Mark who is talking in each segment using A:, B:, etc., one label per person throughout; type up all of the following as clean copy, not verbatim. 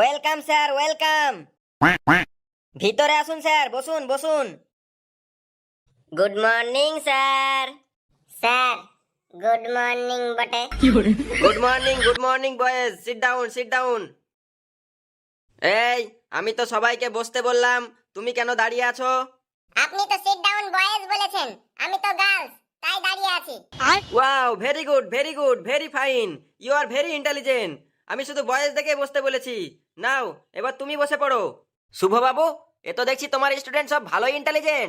A: Welcome sir, welcome. ভিতরে আসুন sir, বসুন বসুন। Good morning sir.
B: Sir good morning বটে।
C: Good morning boys, sit down sit down. এই, আমি তো সবাইকে বসতে বললাম, তুমি কেন দাঁড়িয়ে আছো?
B: আপনি তো সিট ডাউন বয়েজ বলেছেন, আমি তো গার্লস, তাই দাঁড়িয়ে আছি।
C: Wow, very good very good, very fine, you are very intelligent. আমি শুধু বয়েজ দেখে বসতে বলেছি। নাও এবার তুমি বসে পড়ো। শুভ বাবু, এ তো দেখছি তোমার স্টুডেন্ট সব ভালোই ইন্টেলিজেন্ট।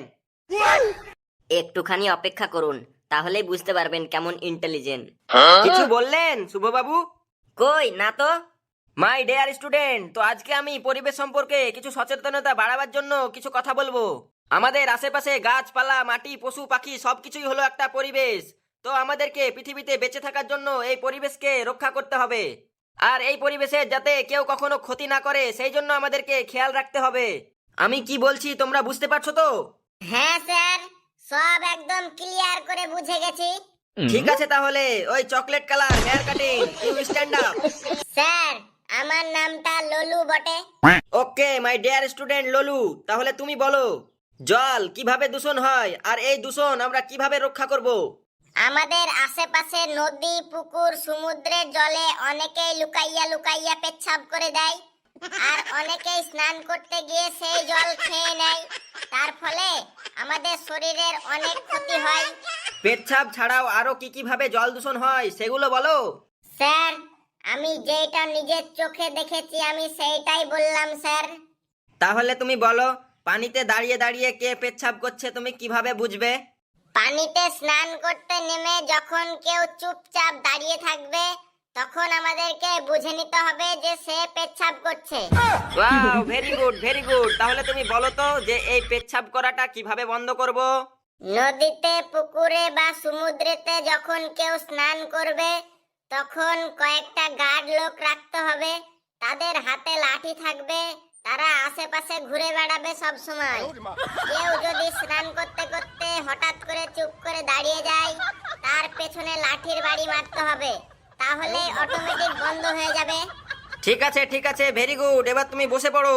A: একটুখানি অপেক্ষা করুন, তাহলেই বুঝতে পারবেন কেমন ইন্টেলিজেন্ট।
C: কিছু বললেন শুভ বাবু?
A: কই না তো।
C: মাই ডিয়ার স্টুডেন্ট, তো আজকে আমি পরিবেশ সম্পর্কে কিছু সচেতনতা বাড়াবার জন্য কিছু কথা বলবো। আমাদের আশেপাশে গাছপালা, মাটি, পশু পাখি সবকিছুই হলো একটা পরিবেশ। তো আমাদেরকে পৃথিবীতে বেঁচে থাকার জন্য এই পরিবেশকে রক্ষা করতে হবে। আর এই পরিবেশের যাতে কেউ কখনো ক্ষতি না করে সেই জন্য আমাদেরকে খেয়াল রাখতে হবে। আমি কি বলছি তোমরা বুঝতে পারছো তো?
B: হ্যাঁ স্যার, সব একদম ক্লিয়ার করে বুঝে গেছি।
C: ঠিক আছে, তাহলে ওই chocolate colour hair cutting, you stand up.
B: Sir আমার নামটা ললু বটে।
C: ওকে মাই ডিয়ার স্টুডেন্ট ললু, তাহলে তুমি বলো জল কিভাবে দূষণ হয় আর এই দূষণ আমরা কিভাবে রক্ষা করব?
B: আমাদের আশেপাশে নদী, পুকুর, সমুদ্রের জলে অনেকেই লুকাইয়া লুকাইয়া পেচ্ছাপ করে দেয়, আর অনেকেই স্নান করতে গিয়ে সেই জল খেয়ে নেয়। তার ফলে আমাদের শরীরের অনেক ক্ষতি হয়।
C: পেচ্ছাপ ছাড়াও আরো কি কিভাবে জল দূষণ হয় সেগুলো বলো।
B: স্যার আমি যেটা নিজের চোখে দেখেছি আমি সেইটাই বললাম স্যার।
C: তাহলে তুমি বলো, পানিতে দাঁড়িয়ে দাঁড়িয়ে কে পেচ্ছাপ করছে তুমি কিভাবে বুঝবে?
B: পানিতে স্নান করতে নেমে যখন কেউ চুপচাপ দাঁড়িয়ে থাকবে, তখন আমাদেরকে বুঝে নিতে হবে যে সে পেচ্ছাপ করছে।
C: Wow, very good very good. তাহলে তুমি বলো তো যে এই পেচ্ছাপ করাটা কিভাবে বন্ধ করব?
B: নদীতে, পুকুরে বা সমুদ্রেতে যখন কেউ স্নান করবে, তখন কয়েকটা গার্ড লোক রাখতে হবে। তাদের হাতে লাঠি থাকবে, তারা আশেপাশে ঘুরে বেড়াবে সব সময়। কেউ যদি স্নান করতে করতে হঠাৎ করে চুপ করে দাঁড়িয়ে যায়, তার পেছনে লাঠির বাড়ি মারতে হবে, তাহলে অটোমেটিক বন্ধ হয়ে যাবে।
C: ঠিক আছে, ভেরি গুড। এবার তুমি বসে পড়ো।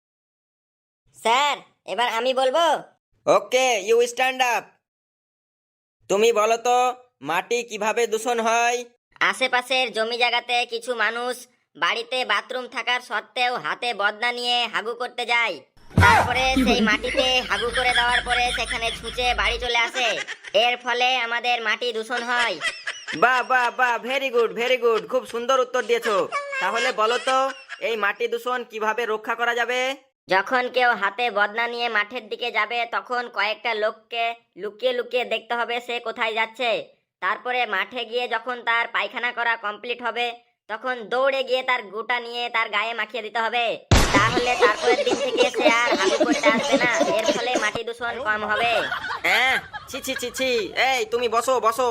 A: স্যার এবার আমি বলবো।
C: Okay, you stand up. তুমি বলো তো মাটি কিভাবে দূষণ হয়?
A: আশেপাশের জমি জায়গাতে কিছু মানুষ বাড়িতে বাথরুম থাকার সত্ত্বেও হাতে বদনা নিয়ে হাগু করতে যায়। তারপরে সেই মাটিতে হাগু করে দেওয়ার পরে সেখানে ছুঁচে বাড়ি চলে আসে। এর ফলে আমাদের মাটি দূষণ হয়।
C: বাহ বাহ বাহ, ভেরি গুড ভেরি গুড, খুব সুন্দর উত্তর দিয়েছো। তাহলে বলো তো এই মাটি দূষণ কিভাবে রক্ষা করা যাবে?
A: যখন কেউ হাতে বদনা নিয়ে মাঠের দিকে যাবে, তখন কয়েকটা লোককে লুকিয়ে লুকিয়ে দেখতে হবে সে কোথায় যাচ্ছে। তারপরে মাঠে গিয়ে যখন তার পায়খানা করা কমপ্লিট হবে, তখন দৌড়ে গিয়ে তার গুটা নিয়ে তার গায়ে মাখিয়ে দিতে হবে। তাহলে তারপরের দিন থেকে সে আর হাগু করতে আসবে না। এর ফলে মাটি দূষণ কম হবে।
C: হ্যাঁ, ছি ছি ছি ছি। এই তুমি বসো বসো।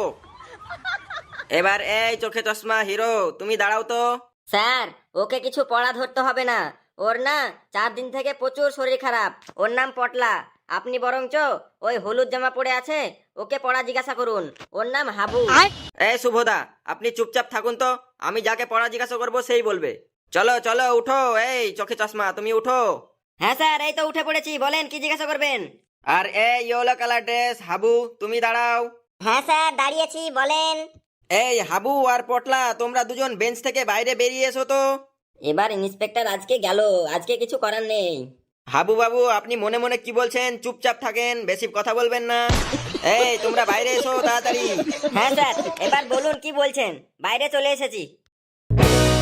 C: এবার এই চোখে চশমা হিরো, তুমি দাঁড়াও তো।
A: স্যার ওকে কিছু পড়া ধরতে হবে না, ওর না 4 দিন থেকে প্রচুর শরীর খারাপ। ওর নাম পটলা। আপনি বরঞ্চ ওই হলুদ জামা পরে আছে ওকে পড়া জিজ্ঞাসা করুন, ওর নাম হাবু।
C: এই শুভদা, আপনি চুপচাপ থাকুন তো, আমি যাকে পড়া জিজ্ঞাসা করবো সেই বলবে। চলো চলো উঠো, এই চোখে চশমা তুমি উঠো।
A: হ্যাঁ স্যার, এই তো উঠে পড়েছি, বলেন কি জিজ্ঞাসা করবেন।
C: আর এই ইয়েলো কালার ড্রেস হাবু, তুমি দাঁড়াও।
B: হ্যাঁ স্যার দাঁড়িয়েছি, বলেন।
C: এই হাবু আর পটলা, তোমরা দুজন বেঞ্চ থেকে বাইরে বেরিয়ে এসো তো।
A: এবার ইন্সপেক্টর আজকে গেল, আজকে কিছু করার নেই।
C: হাবু বাবু, আপনি মনে মনে কি বলছেন চুপচাপ থাকেন, বেশি কথা বলবেন না। এই তোমরা বাইরে এসো তাড়াতাড়ি।
A: হ্যাঁ স্যার, এবার বলুন কি বলছেন, বাইরে চলে এসেছি।